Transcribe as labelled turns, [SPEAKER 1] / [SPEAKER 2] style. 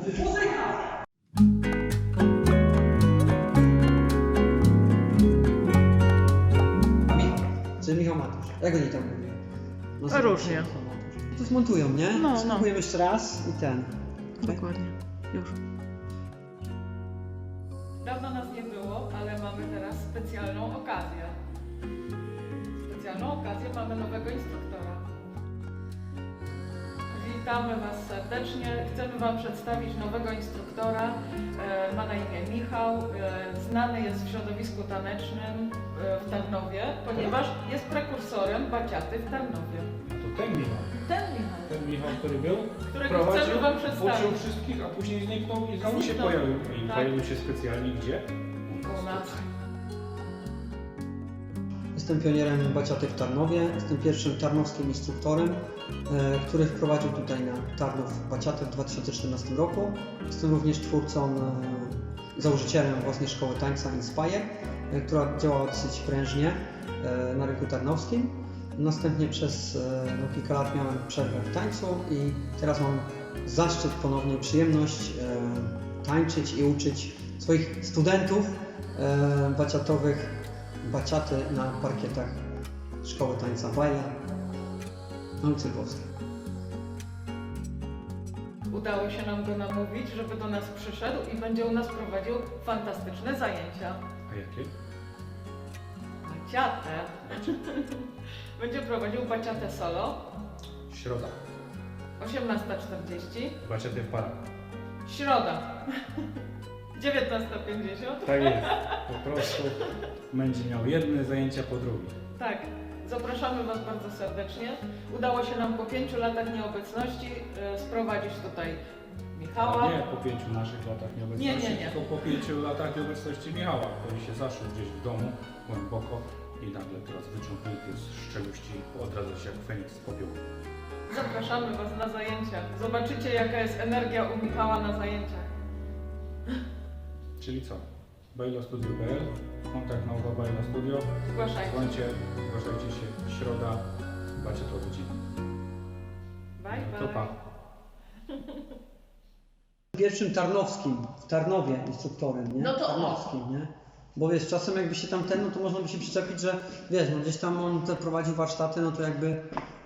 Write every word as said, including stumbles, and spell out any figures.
[SPEAKER 1] Czyli Michał Matusz. Jak oni tam mówią? No,
[SPEAKER 2] A różnie.
[SPEAKER 1] To zmontują, nie?
[SPEAKER 2] No, no.
[SPEAKER 1] Spróbujemy jeszcze raz i ten. Okay.
[SPEAKER 2] Dokładnie. Już.
[SPEAKER 3] Dawno nas nie było, ale mamy teraz specjalną okazję. Specjalną okazję, mamy nowego instruktora. Witamy Was serdecznie. Chcemy Wam przedstawić nowego instruktora. E, ma na imię Michał. E, znany jest w środowisku tanecznym e, w Tarnowie, ponieważ jest prekursorem baciaty w Tarnowie.
[SPEAKER 4] To ten Michał.
[SPEAKER 3] Ten Michał,
[SPEAKER 4] Ten Michał, który był,
[SPEAKER 3] którego
[SPEAKER 4] prowadził,
[SPEAKER 3] chcemy Wam przedstawić.
[SPEAKER 4] uczył wszystkich, a później zniknął i znowu się
[SPEAKER 3] Zniknął.
[SPEAKER 4] pojawił. I
[SPEAKER 3] Tak.
[SPEAKER 4] pojawił się specjalnie gdzie?
[SPEAKER 3] U nas.
[SPEAKER 1] Jestem pionierem baciaty w Tarnowie. Jestem pierwszym tarnowskim instruktorem, e, który wprowadził tutaj na Tarnów baciatę w dwa tysiące czternastym roku. Jestem również twórcą, e, założycielem własnej szkoły tańca Inspire, e, która działała dosyć prężnie e, na rynku tarnowskim. Następnie przez e, no, kilka lat miałem przerwę w tańcu i teraz mam zaszczyt, ponownie przyjemność e, tańczyć i uczyć swoich studentów e, baciatowych baciaty na parkietach Szkoły Tańca Baja na ulicy Lwowskiej.
[SPEAKER 3] Udało się nam go namówić, żeby do nas przyszedł i będzie u nas prowadził fantastyczne zajęcia.
[SPEAKER 4] A jakie?
[SPEAKER 3] Baciatę. Będzie prowadził baciatę solo.
[SPEAKER 4] Środa.
[SPEAKER 3] osiemnasta czterdzieści.
[SPEAKER 4] Baciaty w parach.
[SPEAKER 3] Środa. dziewiętnasta pięćdziesiąt.
[SPEAKER 4] Tak jest. Po prostu będzie miał jedne zajęcia po drugim.
[SPEAKER 3] Tak. Zapraszamy Was bardzo serdecznie. Udało się nam po pięciu latach nieobecności e, sprowadzić tutaj Michała.
[SPEAKER 4] A nie po pięciu naszych latach nieobecności,
[SPEAKER 3] Nie, nie, nie.
[SPEAKER 4] tylko po pięciu latach nieobecności Michała, który się zaszył gdzieś w domu, głęboko i nagle teraz wyciągnięty z szczeluści odradza się jak Feniks z popiołu.
[SPEAKER 3] Zapraszamy Was na zajęcia. Zobaczycie, jaka jest energia u Michała na zajęciach.
[SPEAKER 4] Czyli co? bailostudio kropka p l, kontakt nauka Baila Studio.
[SPEAKER 3] Zgłaszajcie.
[SPEAKER 4] Dzwońcie, zgłaszajcie się, środa, baciatowy dzień.
[SPEAKER 3] Bye, bye.
[SPEAKER 4] To pa.
[SPEAKER 1] Pierwszym tarnowskim, w Tarnowie instruktorem, nie?
[SPEAKER 3] No to o.
[SPEAKER 1] Tarnowskim, nie? Bo wiesz, czasem jakby się tam ten, no to można by się przyczepić, że wiesz, no gdzieś tam on te prowadził warsztaty, no to jakby